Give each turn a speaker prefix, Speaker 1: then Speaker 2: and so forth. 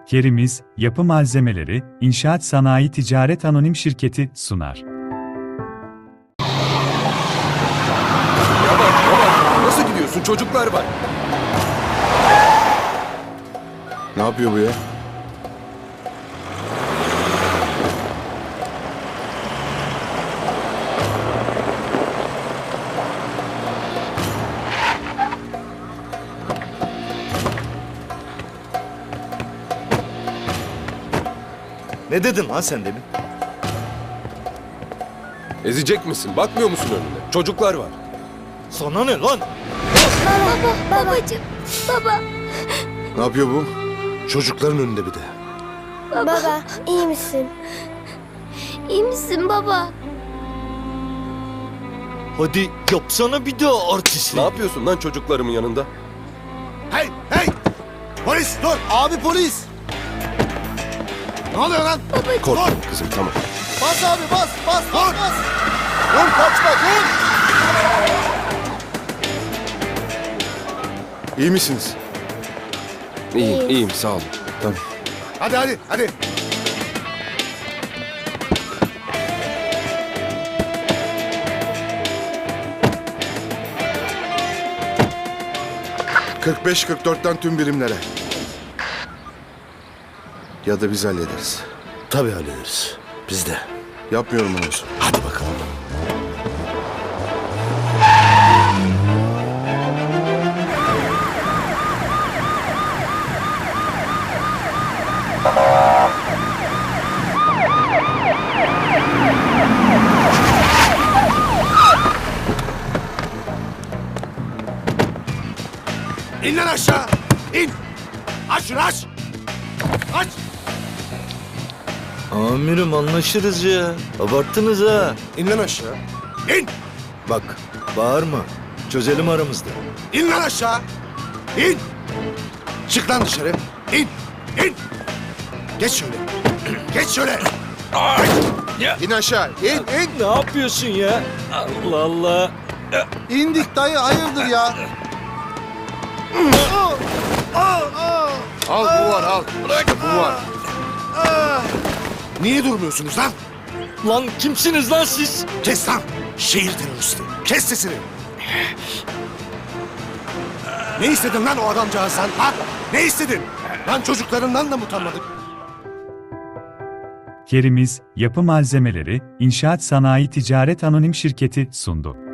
Speaker 1: Kerimiz Yapı Malzemeleri, İnşaat Sanayi Ticaret Anonim Şirketi sunar.
Speaker 2: Yavaş yavaş. Nasıl gidiyorsun? Çocuklar var.
Speaker 3: Ne yapıyor bu ya?
Speaker 4: Ne dedin lan sen demin?
Speaker 2: Ezecek misin? Bakmıyor musun önüne? Çocuklar var.
Speaker 4: Sana ne lan?
Speaker 5: Babacığım, baba,
Speaker 3: Ne yapıyor bu? Çocukların önünde bir de.
Speaker 5: baba, iyi misin? İyi misin baba?
Speaker 4: Hadi yapsana bir daha artistlik.
Speaker 2: Ne yapıyorsun lan çocuklarımın yanında?
Speaker 3: Hey! Hey! Polis dur! Abi polis! Ne oluyor lan?
Speaker 2: Korkma kızım, tamam.
Speaker 3: Bas abi bas! Bas! Bas! Bas! Dur kaçma dur! İyi misiniz?
Speaker 2: İyiyim, iyiyim. Sağ olun. Tamam.
Speaker 3: Hadi! 45-44'ten tüm birimlere. Ya da biz hallederiz.
Speaker 6: Tabii hallederiz. Biz de.
Speaker 3: Yapmıyorum onu olsun.
Speaker 6: Hadi bakalım.
Speaker 3: İn lan aşağı! İn! Aç şunu aç! Aç!
Speaker 4: Amirim anlaşırız ya. Abarttınız ha.
Speaker 3: İn lan aşağı! İn!
Speaker 4: Bak bağırma. Çözelim aramızda.
Speaker 3: İn lan aşağı! İn! Çık lan dışarı! İn! İn! Geç şöyle! Geç şöyle! İn aşağı! İn!
Speaker 4: Ne yapıyorsun ya? Allah Allah.
Speaker 3: İndik dayı hayırdır ya? Al bu var al. İşte bu var. Niye durmuyorsunuz lan?
Speaker 4: Lan kimsiniz lan siz?
Speaker 3: Kes lan! Şehir teröristi. Kes sesini. Ne istedin lan o adamcağızdan? Ha? Ne istedin? Lan çocuklarından da mı utanmadık?
Speaker 1: Kerimiz Yapı Malzemeleri, İnşaat Sanayi Ticaret Anonim Şirketi sundu.